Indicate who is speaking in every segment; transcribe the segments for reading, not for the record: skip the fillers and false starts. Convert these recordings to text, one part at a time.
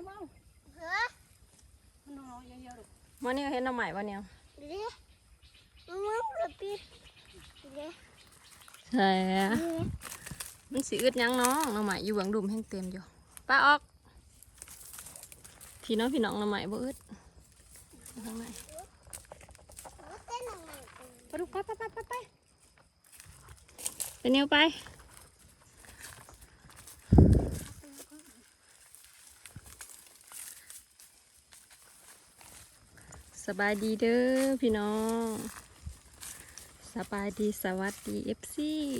Speaker 1: มาเฮ้ยมันน้อยเยอะๆลูก
Speaker 2: วันนี้เห็นน้ำใหม่วันนี้ใช่มันสีอึดยังน้องน้ำใหม่อยู่เบื้องดุมแห้งเต็มอยู่ป้าออกพี่น้องน้ำใหม่บ่อึดทางไหนไปดูไปเป็นเนียวไปสบายดีเด้อพี่น้องสบายดีสวัสดีFC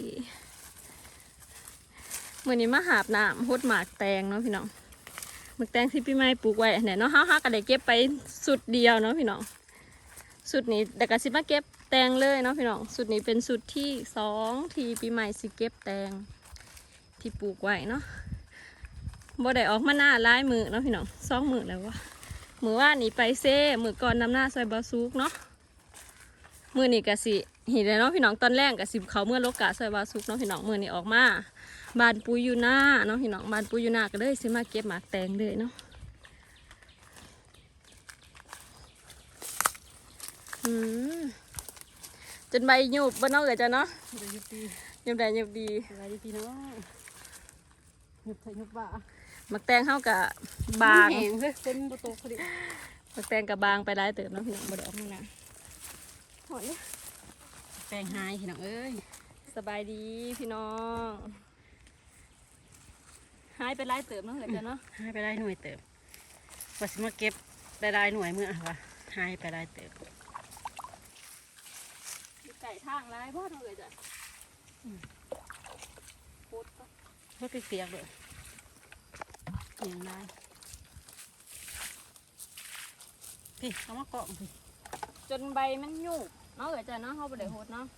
Speaker 2: เมื่อนี้มาหาบน้ำฮดหมากแตงเนาะพี่น้องหมากแตงที่พี่ไม้ปลูกไว้เนี่ยเนาะห้าก็ได้เก็บไปสุดเดียวเนาะพี่น้องสุดนี้แต่ก็สิมาเก็บแตงเลยเนาะพี่น้องสุดนี้เป็นสุดที่2ที่พี่ไม้สิเก็บแตงที่ปลูกไว้เนาะบ่ได้ออกมาหน้าหลายมือเนาะพี่น้อง2 มื้อแล้ววะมือว่านี่ไปเซ่มือก่อนนำหน้าซอยบาซุกเนาะมือนี่กะสิเห็นเลยเนาะพี่น้องตอนแรกกะสิเขาเมื่อโลกะซอยบาซุกเนาะพี่น้องมือนี่ออกมาบานปุยอยู่หน้าเนาะพี่น้องบานปุยอยู่หน้าก็เลยสิมาเก็บหมากแตงเลยเนาะจนใบหยุบบ้านนอกเลยจ้ะเนาะหยุบได้หยุบดี
Speaker 1: อะไรดีพี่น้องหยุบเถอะหยุบบ่า
Speaker 2: หมากแตงเข้ากับบาง
Speaker 1: แห้งเลยคนโตโตเขาดิ
Speaker 2: หมากแตงกับบางไปได้เติมเนาะพี่น้องบ่ได้ออกมาหน้าหอยเนี่ย
Speaker 1: แปลงหายพี่น้องเอ้ย
Speaker 2: สบายดีพี่น้องหายไปไล่เติมเนาะเลยจ้ะเนาะ
Speaker 1: หายไปได้หน่วยเติมว่าสิมาเก็บได้หน่วยเมื่อวะหายไปได้เติม
Speaker 2: ไก่ทางไล่พ่อเนาะเลยจ้ะโคตร
Speaker 1: ก็เปียกเลยอย่างไรพี่เอามาเกาะพี่
Speaker 2: จนใบมันหยุบเนาะเลยจ้ะเนาะเขาบ่ได้โหดเนาะ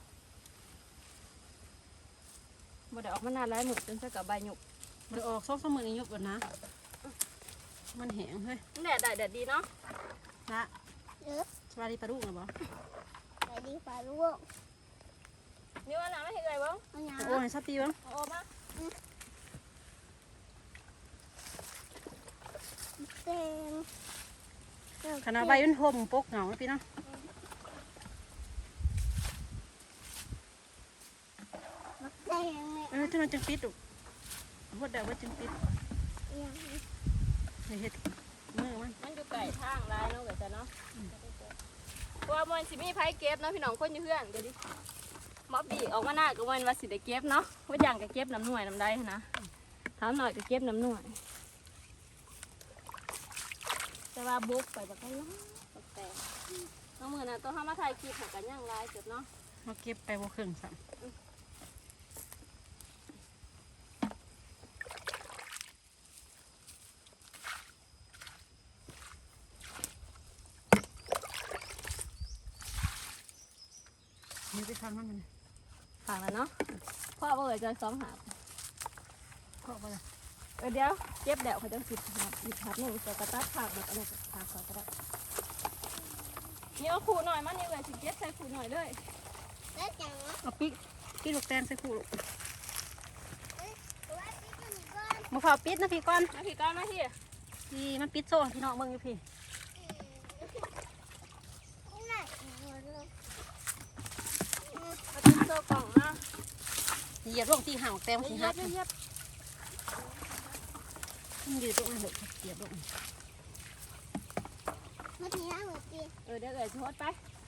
Speaker 2: บ่ได้ออกมานานแล้วหนุกจนสักกับใบหยุบ
Speaker 1: มันออก2-3 มื้อนี้หยุบก่อนนะมันแห้งเฮ้ย
Speaker 2: แดดได้แดดดีเนาะ
Speaker 1: นะสวัสดีปลาลูกเหรอบ่
Speaker 3: สวัสดีปลาลูก
Speaker 2: นี่ว่าน้ำไม่เห็นเลยบ้าง
Speaker 1: โอ้ยชอบตีบ้าง
Speaker 2: โอ้มา
Speaker 3: แตง
Speaker 1: ขนาดใบมันห่มปกเหงาพี่เนาะ
Speaker 3: แตง
Speaker 1: ที่มันจึงปิดลูกพดเดาว่าจึงปิดเห็ดมือ
Speaker 2: มันอยู่ไก่ทางไรเนาะเลยจ้ะเนาะว่ามันสิมีไผ่เก็บเนาะพี่น้องคนอยู่เพื่อนเดี๋ยวดิม็อบบีออกมาหน้าก็วันว่าสิได้เก็บเนาะว่าอย่างก็เก็บน้ำหน่วยน้ำได้นะถามหน่อยก็เก็บน้ำหน่วยแต่ว่าบุกไปแบบก็ล้อแต่น้องมือน่ะต้องห้ามมาถ่ายคลิปหากันย่างไรเก็บเนาะ
Speaker 1: มาเก็บไปบ่ครึ่งสั่งนี่ไปฟังมัน
Speaker 2: ฝากแล้วเนาะพ่อเอ๋ยจะ2 หาบ
Speaker 1: พ่อไปเลย
Speaker 2: เดี๋ยวเก็บแดดเขาจะ10 หาบ10 หาบนี่จะกระตัดผักแบบอะไรผักก็ได้นี่เอาขู่หน่อยมันนี่เลยสิเก็บใส่ขู่หน่อยด้วย
Speaker 3: แล้วจังวะ
Speaker 1: เอาปิดลูกแตงใส่ขู่
Speaker 3: มา
Speaker 1: พอปิดนะพี่ก้อน
Speaker 2: มาพี่ก้อนมาพี่
Speaker 1: พี่มันปิดโซ่พี่น้องเบิ่งอยู่พี่
Speaker 2: โซ่กล่องนะ
Speaker 1: เหยียบลงที่ห่างแตงที่ฮักมันยืดตรงนั้นเลยเหยียบลง
Speaker 3: มาทีละหัวตี
Speaker 2: เดี๋ยวโทษไป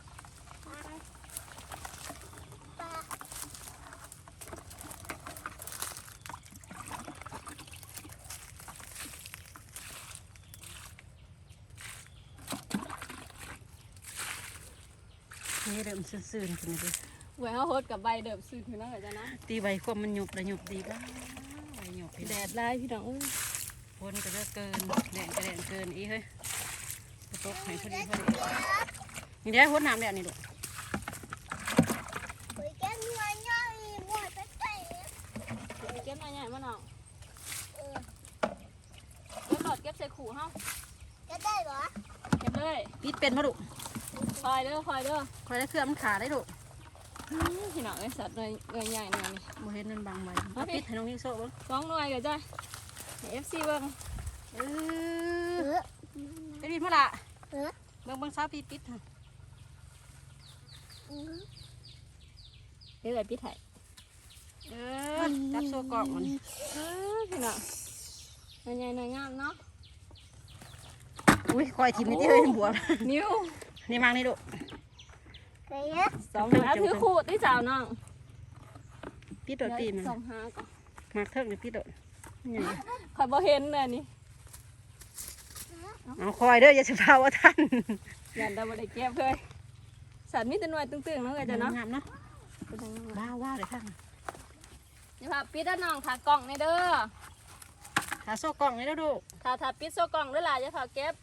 Speaker 1: นี่เริ่มซื่นๆกันเลย
Speaker 2: เว้ยเขาโหดกับใบเดิมซื่อคือนั่นแหละจ้ะนะ
Speaker 1: ตีใบควบมันหยุบระหยุบดีบ้างใบหยุบ
Speaker 2: แดดไล่พี่น้อง
Speaker 1: คนก็จะเกินแดดก็แดดเกินอีเฮ้ยตกให้พอดีนี่ได้หัวน้ำแดดนี่ลูก
Speaker 3: แก้มหัวย่อยหมดไปใส่
Speaker 2: เก็บมาใหญ่มาหน่อยแล้วหลอดเก็บใส่ขู่เฮา
Speaker 3: จะได้เหรอ
Speaker 2: เก็บเลย
Speaker 1: ปิดเป็นมาลูก
Speaker 2: คอยเด้อคอย
Speaker 1: ได้เครื่องมันขาได้ลูก
Speaker 2: พี่น้องไอ้สัตว์เลยใหญ่หน่อยนี่
Speaker 1: โมเห็นมันบางไว้ปิดให้น้องนิ่งโซ่บ้าง
Speaker 2: 2 หน่วยก็ได้FCเบิ้ง
Speaker 1: ดมาละ
Speaker 3: เออ
Speaker 1: เบิ่งสาวปีปิดค่ะ
Speaker 2: เดี๋ยวพี่ไทย
Speaker 1: จับโซ่กล่องมัน
Speaker 2: พี่น้องมันใหญ่หน่อยงามเนาะ
Speaker 1: อุ้ยคอยทีมนี่ที่เฮ้ยบวม
Speaker 2: นิ้ว
Speaker 1: นี่มังนี่ดู
Speaker 3: ไปเยอะ
Speaker 2: สองหาถือขูดที่สาวน้อง
Speaker 1: ปิดโดดปีมัน
Speaker 2: สองหาก่อน
Speaker 1: มากเทิงหรือปิดโดดนี่
Speaker 2: คอยบ่เห็นเลยนี่
Speaker 1: เอาคอยเด้ออย่าสิพาว่าท่าน
Speaker 2: ยันได้บ่ได้เก็บเลยสัตว์มีแต่หน่วยตึงๆเนาะเอ้ยจ้ะเนาะ
Speaker 1: งามเนาะว้าวเลยท่าน
Speaker 2: นี่ค่ะปิดด้านน้องค่ะกล่องนี่เด้อ
Speaker 1: ขาโซ่กล่องนี่แล้วดู
Speaker 2: ถ้าปิดโซ่กล่องด้วยล่ะจะขอเก็บ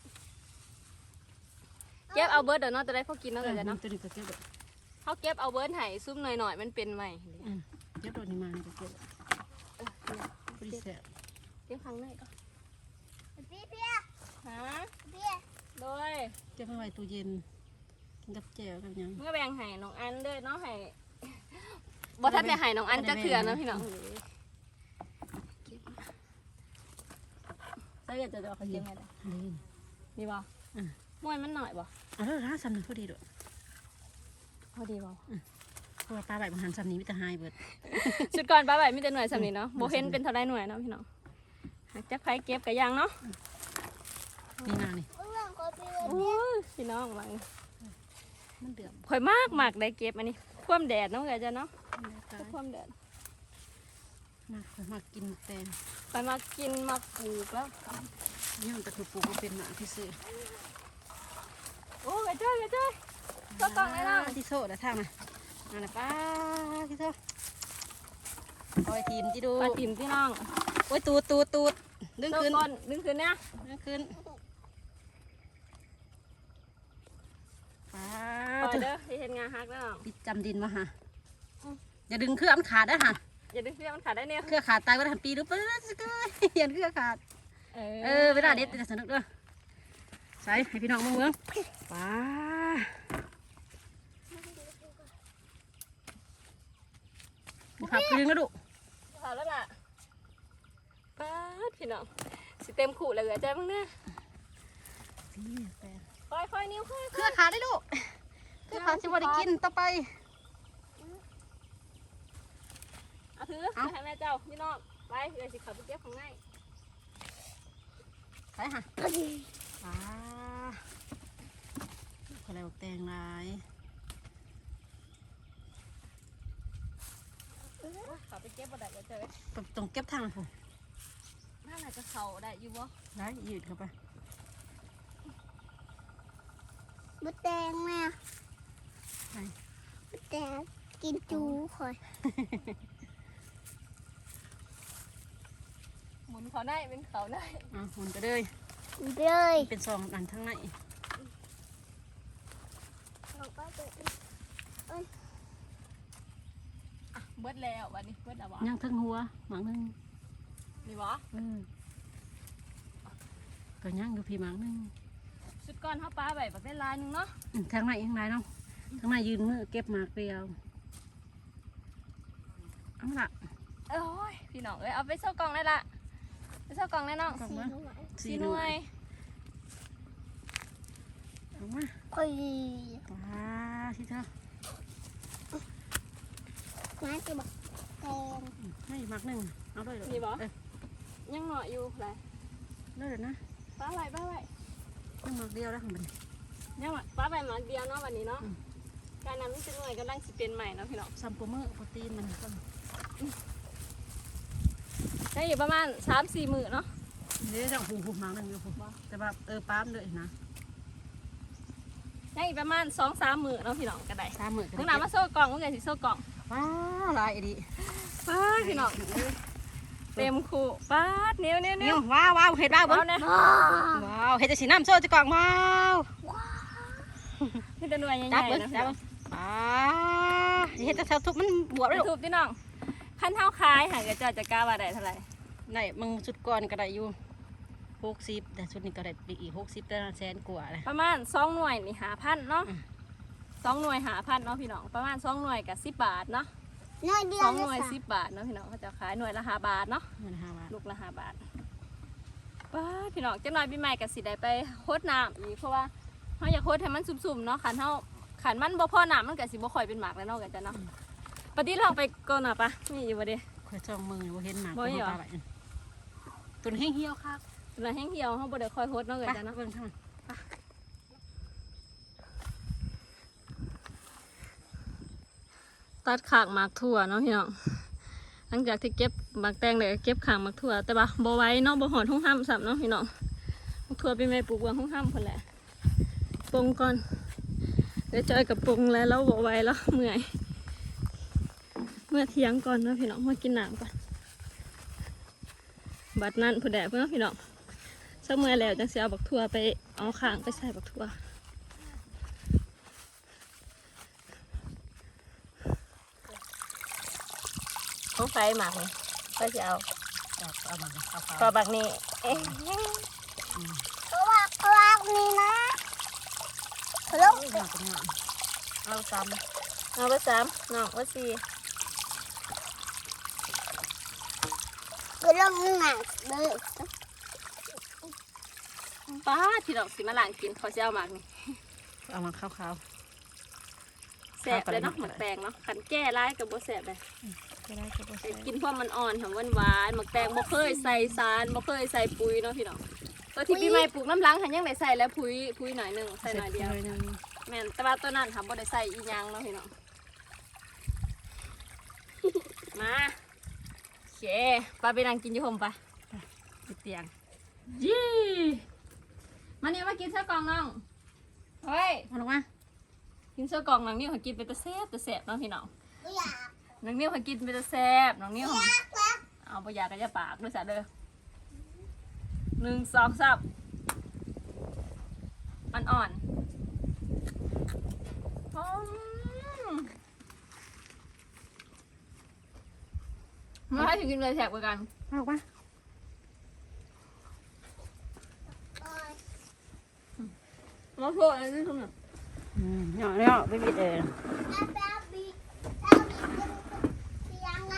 Speaker 2: เอาเบิร์ดเดี๋ยวเนาะจะได้พอกินเนาะเอ้ยจ้ะเนาะ
Speaker 1: ตัวนี้ก็เก็บโดด
Speaker 2: เขาเก็บเอาเบิร์ดให้ซุ่มหน่อยๆมันเป็นใหม่
Speaker 1: เก็บโดดนี่มานี่ก็เก็บพอดีแซ่บ
Speaker 2: เก็บข้างในก่อน
Speaker 3: พี่เพีย
Speaker 2: ฮะ
Speaker 3: พี่
Speaker 2: โดย
Speaker 1: เก็บไว้ตู้เย็นกินกับแจ่วกับหยัง
Speaker 2: เมื่อแบ่งให้น้องอันเด้อเนาะให้บ่ทันได้ให้น้องอันจะเถื่อนเนาะพี่น้องใส่เกิดจะเขาเก็บไงล่ะ
Speaker 1: นี่
Speaker 2: นี่บ่มวยมันหน่อยบ่
Speaker 1: เอาเด้อร้านซ้ำนี่พอดีโดด
Speaker 2: พอดีบ่
Speaker 1: เพราะว่าปลาใบบางหันซ้ำนี้มิตรหายเบิด
Speaker 2: ชุดก่อนป้าใบมีแต่หน่วยสำนี้เนาะบ่เห็นเป็นเท่าไรหน่วยเนาะพี่น้องหากจักไผเก็บกะยังเนาะ
Speaker 1: นี่นานี่
Speaker 3: เรื่องก็พี่
Speaker 2: โอ้ยพี่น้องว่า
Speaker 1: มันเดือด
Speaker 2: ข่อยมากได้เก็บอันนี้ความแดดเนาะเอ้ยจ้ะเนาะความแดด
Speaker 1: มากินแตง
Speaker 2: ไปมากินมาปลูกแล้ว
Speaker 1: นี่มันก็คือปลูกมาเป็นหมาที่ซื้อ
Speaker 2: โอ้ยจ้อยก็ต้องเลยเนาะ
Speaker 1: ที่โซ่แต่ทางน่ะนั่นน่ะป้าที่โซ่คอยทีมที่ดู
Speaker 2: ปลาติ๋มพี่น้อง
Speaker 1: โอ้ยตูดดึง
Speaker 2: โซ่
Speaker 1: ขึ้น
Speaker 2: ก้นดึงขึ้นเนี่ย
Speaker 1: ดึงขึ้นป้า
Speaker 2: ปล่อยเด้อที่เห็นงาฮักแล้ว
Speaker 1: ปิดจำดินมาฮะอย่าดึงเครื่องมันขาดนะฮะ
Speaker 2: อย่าดึงเสื้อมันขาดได้เนี่ย
Speaker 1: เครื่องขาดตายก็ได้ปีหรือเปล่ายันเครื่องขาดเวลาเด็ดจะสนุกด้วยใส่ให้พี่น้องเมืองป้าขับดึงแล้วดู
Speaker 2: พอแล้วล่ะป้าดพี่น้องสิเต็มขู่เลยเหรอจ้ามึงเนี่ยค่อยๆนิ้วค่อย
Speaker 1: เครื่องขาดได้ลูกเครื่องขาดจะว่าได้กินต่อไป
Speaker 2: เอาถือให้แม่เจ้าพี่น้องไปเลยสิขับไปเก็บของง่าย
Speaker 1: ใส่ฮะป้าอะไรบอกแตงลาย
Speaker 2: ขับไปเก็บบ่ได้เจอ
Speaker 1: ตรงเก็บทางผม
Speaker 2: น่าจะเข่าได้อยู่บ่
Speaker 1: ได้ยืดเข้าไป
Speaker 3: มดแดงแม่มดแดงกินจูคอย
Speaker 2: หมุนเขาได้เป็นเขาได้
Speaker 1: หมุนไปเลย
Speaker 3: เลย
Speaker 1: เป็นซองอันทั้งใน
Speaker 2: เบิดแล้ววันนี้เบิดแล้วบ่
Speaker 1: ย่างทั้งหัวหมังนึง
Speaker 2: นี่บ่
Speaker 1: ก็ย่างอยู่พี่หมังนึง
Speaker 2: ชุดก้อนเฮาปลาใบบักได้ลายนึงเนาะ
Speaker 1: ทั้งในเนาะทั้งในยืนมือเก็บหมากเปรียวเอาละ
Speaker 2: โอ้ยพี่น้องเอ้ยเอาไปเช่ากล่องได้ละไปเช่ากล่องได้น้อง
Speaker 1: กล่องมา
Speaker 2: 4 หน่วย
Speaker 1: เอามา
Speaker 3: คอย
Speaker 1: ว้าที่เธอ
Speaker 3: มาจะบอกแดง
Speaker 1: ให้หมักหนึ่งเอาด้วย
Speaker 2: นี่บ่ยังหน่อยอยู่หลาย
Speaker 1: เลยนะ
Speaker 2: ปลาใบ
Speaker 1: ยังหมักเดียวแล้วของมัน
Speaker 2: ยังปลาใบหมาเดียวเนาะวันนี้เนาะการนำนี่จะหน่วยกำลังสิเป็นใหม่เนาะพี่น้อง
Speaker 1: ซัมโปรเมอร์โปรตีนมันก็
Speaker 2: ได้อยู่ประมาณ 3-4 มื้อเนาะ
Speaker 1: เดี๋ยวจะหูหมักหนึ่งอยู่ผมแต่แบบปั๊มเลยนะ
Speaker 2: ได้อีกประมาณ 2-3 มื้อเนาะพี่น้องก็ได้
Speaker 1: 3 มื้อ
Speaker 2: มึงน่ะมาโซ่กล่องมึงไงสิโซ่กล่อง
Speaker 1: ว้าลายดี
Speaker 2: ป้าพี่น้องเต็มคู่ป้านิ้ว
Speaker 1: นี่ว้าวเห็ดว้าว
Speaker 2: เอาเนี่ย
Speaker 1: ว้าวเห็ดจะสีน้ำโซ่จะกล่องว้าว
Speaker 2: นี่จะหน่วยใหญ่
Speaker 1: จับ
Speaker 2: ๆ
Speaker 1: เบิ้ง
Speaker 2: นะ
Speaker 1: จับเห็ดจะเท่าทุกมันบวบเลย
Speaker 2: ถูกพี่น้องขั้นเท้าคายหากจะจะกล้าว่าได้เท่าไหร่
Speaker 1: ได้มึงชุดก่อนก็ได้อยู่60แต่ชุดนี้ก็ได้อีก60แต่100,000 กว่าเลย
Speaker 2: ประมาณ2 หน่วยนี่5,000เนาะ2 หน่วย5,000เนาะพี่น้องประมาณ2 หน่วยกับ10 บาทเนาะ
Speaker 3: น้อยเดียว
Speaker 2: 2 หน่วย10 บาทเนาะพี่น้องเขาจะขายหน่วยละ5 บาทเนาะ
Speaker 1: มัน5 บาท
Speaker 2: ลูกละ5 บาทป้าพี่น้องจังหน่อยปีใหม่ก็สิได้ไปโคดน้ำอีกเพราะว่าเฮาอยากโคดให้มันสุ่มๆเนาะขันมันบ่พอน้ำมันก็สิบ่ค่อยเป็นหมากแล้วเนาะกันจ้ะเนาะปฏิลองไปก่อนน่ะปะนี่อยู่บ่เด้
Speaker 1: คอยจ้องมือบ่เห็นหมาก
Speaker 2: บ่เหรอ
Speaker 1: ปลาไหลตัวนี้แห้งเหี่ยวครับ
Speaker 2: แล้วแห้งเหี่ยวเฮาบ่ได้ค่อยโคดเนาะกัน
Speaker 1: ไป
Speaker 2: จ้ะเนาะ
Speaker 1: เบิ่งทาง
Speaker 2: ตัดขางหมากถั่วเนาะพี่น้องหลังจากที่เก็บหมากแตงเลยเก็บขางหมากถั่วแต่ว่าบ่ไว้เนาะบ่หอดห้องห้ำซ้ำเนาะพี่น้องหมากถั่วปีใหม่ปลูกวางห้องห้ำคนแหละปรุงก่อนเดี๋ยวจอยกับปรุงแล้วบ่ไว้แล้วเมื่อเที่ยงก่อนเนาะพี่น้องมากินน้ำก่อนบัดนั้นผู้แดดเพื่อนพี่น้องสักเมื่อแล้วจังสิเอาบักถั่วไปเอาขางไปใส่บักถั่วของไฟหมักนี่ก็จะเอา
Speaker 1: เอามาเอา
Speaker 2: ปลาบักนี่เอ๊ะ
Speaker 3: เขาว่านี่นะเขาลง
Speaker 1: หมากเป็นหมากเอาซ้
Speaker 2: เอาไป3น้องว่า4
Speaker 3: เขาลงหนักเลย
Speaker 2: ป้าที่ดอกสิมาล้างกินเขาจะเอาหมักนี่
Speaker 1: ำเอามาขาว
Speaker 2: แสบเลยเนาะหมักแตงเนาะขันแก้ร้ายกับบ่แสบเลย
Speaker 1: ๆก็ได้ก็บ่
Speaker 2: แต่
Speaker 1: ใส่
Speaker 2: กินเพราะมันอ่อนหอมหวานๆหมักแตงบ่เคยใส่สารบ่เคยใส่ปุ๋ยเนาะพี่น้องตัวที่ปีใหม่ปลูกน้ำล้างหันยังได้ใส่แล้วปุ๋ยหน่อยหนึงใส่หน่อยเดียว
Speaker 1: นึง
Speaker 2: แม่นแต่ว่าตัวนั้นทำบ่ได้ใส่อีหยังเนาะพี่น้อง มาโอเคปลาไปนั่งกินอยู่ห่มปะ
Speaker 1: ติดเตียง
Speaker 2: ยี่มานี่มากินเสื้อกล่องน้องเฮ้ย
Speaker 1: เอาลงมา
Speaker 2: กินเสื้อกล่องน้องนิ้วเขากินไปแต่แซ่บเนาะพี่น้อง
Speaker 3: ไม่อยาก
Speaker 2: น้องนิ้วเขากินไปแต่แซ่บน้องนิ้วเขาเอาไปยากระยาปากด้วยจ้ะเด้อ1 2 3อ่อนๆมาให้ถึงกินเลยแซ่บกว่ากัน
Speaker 1: เอาลงมา
Speaker 2: มาโทษอะไรนี่คุณน่ะ
Speaker 1: เนาะไปบิด
Speaker 3: แล้วบีเตียงนะ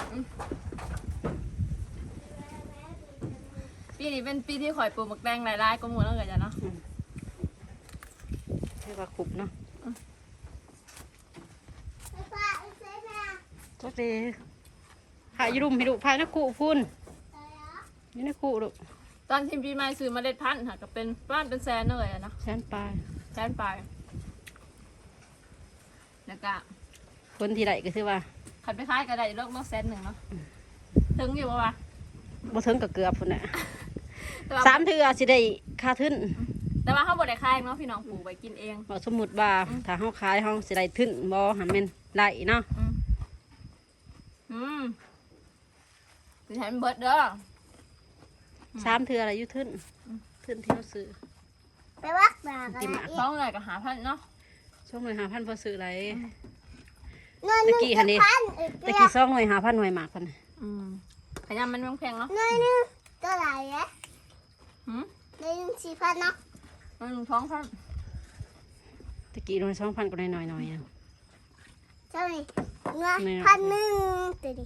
Speaker 2: ปีนี้เป็นปีที่ข่อยปลูกหมักแตงหลายๆก็หมดแล้วเกิดจ้ะเนาะ
Speaker 1: ให้ว่าขุบเนาะ
Speaker 3: ไอ้ป้าไอ้เซ่แม่
Speaker 1: จักดีพายุรุมให้ดูพานักขู่พุ่น
Speaker 3: ใส่เหรอ
Speaker 1: นี่นักขู่ดู
Speaker 2: ตอนทีมปีใหม่ซื้อเมล็ดพันธุ์ค่ะก็เป็นบ้านเป็นแสนเลยอะเนาะ
Speaker 1: แสนปลาย
Speaker 2: แสนปลายแล้วก็
Speaker 1: คนที่ใดก็คือว่า
Speaker 2: ขันไปขายก็ได้โลก100,000เนาะถึงอยู่ปะวะ
Speaker 1: บ่ถึงกับเกือบพุ่นน่ะ
Speaker 2: แต่ว่า
Speaker 1: 3 เทื่อสิได้ค่าทุน
Speaker 2: แต่ว่าเขาบ่ได้ขายเนาะพี่น้องปลูกไว้กินเอง
Speaker 1: บ่สมมุติว่าถ้าเฮาขายเฮาสิได้ทุนบ่หันแม่นได้เนาะ
Speaker 2: สิใช้มันเบิดเด้อ
Speaker 1: 3 เทื่ออะไรอยู่ทุนทุนที่เฮาซื้อ
Speaker 3: ไปวัดมากัน
Speaker 1: ติหมาก
Speaker 2: ท้องเลยก็5,000เนาะ
Speaker 1: ช่วงหน่วย5,000พอซื้อไร
Speaker 3: เงินหนึ่ง
Speaker 1: ตะกี้หันดิ
Speaker 3: พันอีก
Speaker 1: ตะ
Speaker 3: เดีย
Speaker 1: กี้
Speaker 3: ว
Speaker 1: 2หน่วย5,000หน่วยหมากพุ่นน่ะ
Speaker 2: ขยำมันแพงๆเนาะ
Speaker 3: เงินหนึ่งเท่าไหร่เนี่ย
Speaker 2: หืม
Speaker 3: เงินหนึ่ง4,000เนาะ
Speaker 2: มันท้องพัน
Speaker 1: ตะกี้หน่วย2,000ก็หน่อยๆอะ
Speaker 3: เท่าไหร่เงิน
Speaker 1: เนี่ย
Speaker 3: 1,100ตัวดิ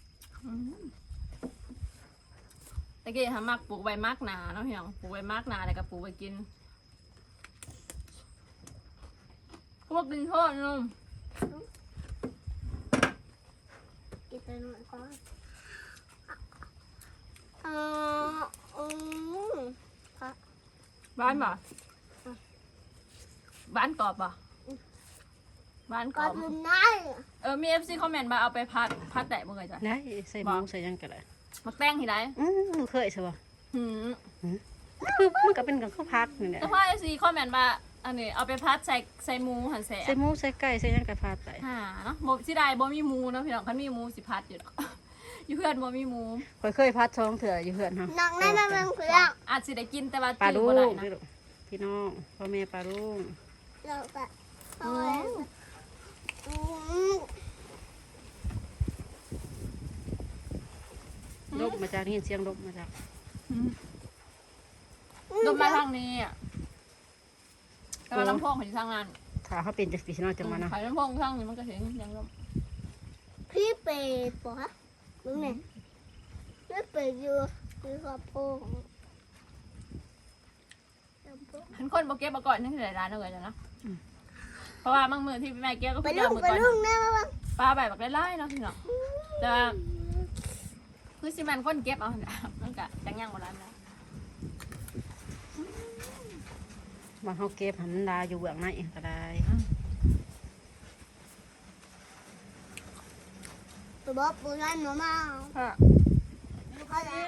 Speaker 2: ตะกี้ทำมักปลูกใบมากหนาเนาะพี่น้องปลูกใบมากหนาแล้วก็ปลูกไว้กินพวกกินโทษนุ่ม
Speaker 3: กินไปหน่อยก่อนอืม
Speaker 2: บ้านบ่บ้านกรอบบ่บ้านกร
Speaker 3: ก่อ
Speaker 2: อน บ
Speaker 3: มันได้
Speaker 2: มี FC คอมเมนต์มาเอาไปพัดแตะบ่เคยจ้ะ
Speaker 1: ได้ใส่หมูใส่หยังก็ได้
Speaker 2: มักแป้งที่ไหน
Speaker 1: เคยใช่ป่ะ
Speaker 2: หืม
Speaker 1: คือมันก็เป็นกับข้าวผัดนี่แหละ
Speaker 2: แต่พอ FC คอมเมนต์มาอันนี้เอาไปพัดใส่หมูหันแส
Speaker 1: ใส่หมูใส่ไก่ใส่หยังก็ผัดไป
Speaker 2: เนาะบ่สิได้บ่มีหมูเนาะพี่น้องคันมีหมูสิพัดอยู่ดอก อยู่เพื่อนบ่มีหมู
Speaker 1: ข่อยเคยผัด2เทื่ออยู่เฮือนเฮา
Speaker 3: น้องนั่นมันเพื่อน
Speaker 2: อาจสิได้กินแต่ว่า
Speaker 1: ปลา
Speaker 2: จื้
Speaker 1: ลู
Speaker 2: อบ่ได้
Speaker 1: ก
Speaker 2: นะ
Speaker 1: นี่ลูกพี่น้องพ่อแม่ปลาลูก
Speaker 3: เราก็เอาไว้อืม
Speaker 1: ลบมาจากนี่เสียงลบมาจาก
Speaker 2: ลงมาทางนี้อ่ะแต่ว่าลำโพงของที่ทางนั้น
Speaker 1: ถ้าเขาเป็นจังซี่เนาะจังว่าเนาะ
Speaker 2: ขายลำโพงทางนี้มันก็เห็นยังลม
Speaker 3: พี่เป็ดปะมึงเนี่ยพี่เป็ดอยู่ขอบโพง
Speaker 2: หันคนบ่เก็บมาก่อนนั่นคือหลายร้านเอาไว้จ้ะเนาะเพราะว่าบางมือที่พี่แม่เก็บก็
Speaker 3: ไป
Speaker 2: พี่
Speaker 3: ลุ
Speaker 2: เอา
Speaker 3: ง
Speaker 2: มือ
Speaker 3: ไป
Speaker 2: ก่อน
Speaker 3: ลุงนะมาบ้าง
Speaker 2: ปลาใบบักไล่ๆเนาะพี่น้องแต่ว่าคือสิมันคนเก็บเอาน่ะมันก็จังยังบ่ร้านนะ
Speaker 1: ว่าเฮาเก็บหันดาอยู่เบื้องในก็ได้
Speaker 3: ตัวบ๊อบปูนั่นหนูมา
Speaker 2: ค่ะ
Speaker 3: เขาแล้ว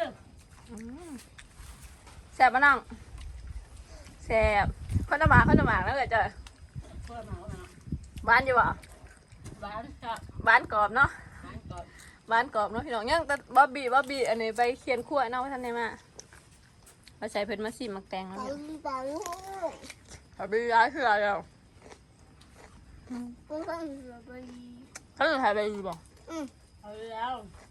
Speaker 2: แซ่บปะน้องแซ่บข้าวหน้าหมากแล้วเกิดเจอ
Speaker 1: เพื่อมาว่า
Speaker 2: บ้านอยู่บ่
Speaker 1: บ้านครับ
Speaker 2: บ้านกรอบเนาะ
Speaker 1: บ้านก่อน
Speaker 2: บ้านกรอบเนาะพี่น้องยังแต่บ๊อบบี้อันนี้ไปเคียนขั้วเนาะท่านได้มาเราใช้เพิ่นมาซีมักแตงแล้ว
Speaker 3: ไป
Speaker 2: เนี่ย
Speaker 3: ลุงไปลุง
Speaker 2: บ๊อบบี้ร้ายคืออะไรอ่ะ
Speaker 3: ปูเขาไป
Speaker 2: เขาจะถ่ายไปอยู่บ่
Speaker 1: เอาแล้ว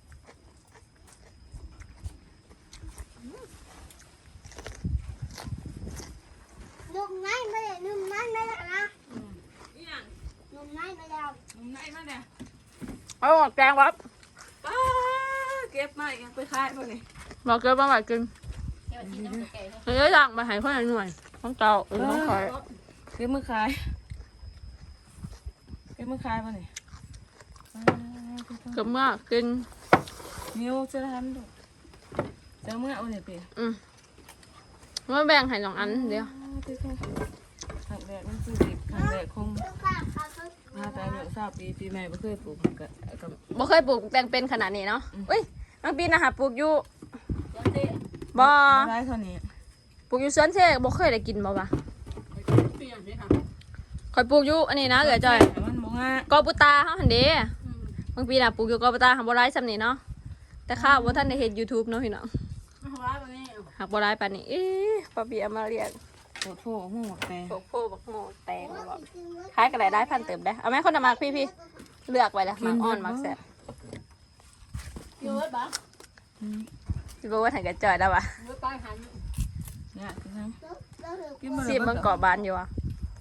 Speaker 3: ลุงนั่นไม่ได้ลุงนั่นไม่ได้นะลุงนั่นไม่ได้
Speaker 2: เอาหมกแตงวับ
Speaker 4: เก็บมาอีกไปขายพวกนี้
Speaker 2: บอกเกินมาหวานกิน
Speaker 1: เดี๋ยวที่น้ำแก่ๆ
Speaker 2: เฮ้ยสั่งมาให้คนละหน่วยของเก่าของคอย
Speaker 4: เก็บมือขายเก็บมือขายพวกนี้
Speaker 2: เกือบมากกิน
Speaker 4: นิ้วจะทำดูจะเมื่อเอาเนี่ยเปีย
Speaker 2: มาแบ่งให้2 อันเดียว
Speaker 4: ขังแดดมันคือดิบขังแดดคง
Speaker 3: ลุงข้างเขาเขา
Speaker 4: มาแต่เหลือ3 ปีปีใหม่ไม่เคยปลูกกับ
Speaker 2: บ่เคยปลูกแตงเป็นขนาดนี้เนาะอุ้ยบางปีนะฮะปลูกอยู่
Speaker 1: เดี๋ยวเต้
Speaker 2: บ่
Speaker 4: ได้เท่านี้
Speaker 2: ปลูกอยู่สวนเชบ่เคยได้กินบ่วะ
Speaker 1: เปลี่ยนสิค่ะ
Speaker 2: คอยปลูกอยู่อันนี้นะเหลือจอย
Speaker 4: แต่มันบ่ง่าย
Speaker 2: กอปุตาเฮาหั่นเด้บางปีน่ะปลูกอยู่กอปุตาหักบ่หลายส่ำนี้เนาะแต่ข้าวบ่ทันได้เฮ็ด YouTube เนาะพี่น้อง
Speaker 1: เอาไว้วันนี้
Speaker 2: หักบ่หลายปานนี้เอ๊ะป้าเบียเอามาเรียก
Speaker 4: โอ้โหหัวแต่
Speaker 2: พวกโพบักโมแตงบ่ขายก็ได้พันเติมได้เอาแม่คนน่ะมักพี่เลือกไว้แล้วมักอ่อนมักแซ่บ
Speaker 1: เยอะบ้าง
Speaker 2: สิบ่ว่าให้กระจอยแล้ววะ
Speaker 1: เยอะใต้หัน
Speaker 4: เนี่ยคือทั้ง
Speaker 2: สิมันเกาะบานอยู่อ่ะ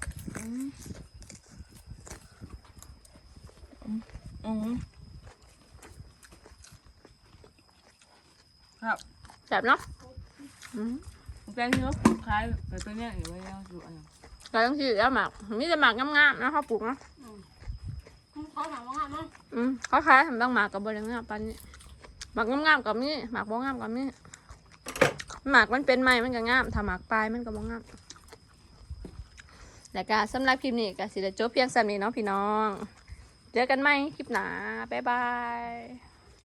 Speaker 4: ครับ
Speaker 2: แซ่บเนาะ
Speaker 4: แกงที่เราปลูกขายแต่ตัวเนี้ยอยู่ไว้แล้วอยู่อันนั้น
Speaker 2: ก็ต้องสิแล้วหมักมีแต่หมักงามๆนะเขาปลูกเนาะ
Speaker 1: เขาถามว่าไงมั้ง
Speaker 2: เขาขายทำบางหมากกับบริงามปานนี้หมากงามๆกับนี่หมากบ่งามกับนี่หมากมันเป็นไม้มันก็งามถ้าหมากปลายมันก็บ่งามแล้วก็สำหรับคลิปนี้ก็สิได้จบเพียงส่ำนี้เนาะพี่น้องเจอกันใหม่คลิปหน้าบ๊ายบาย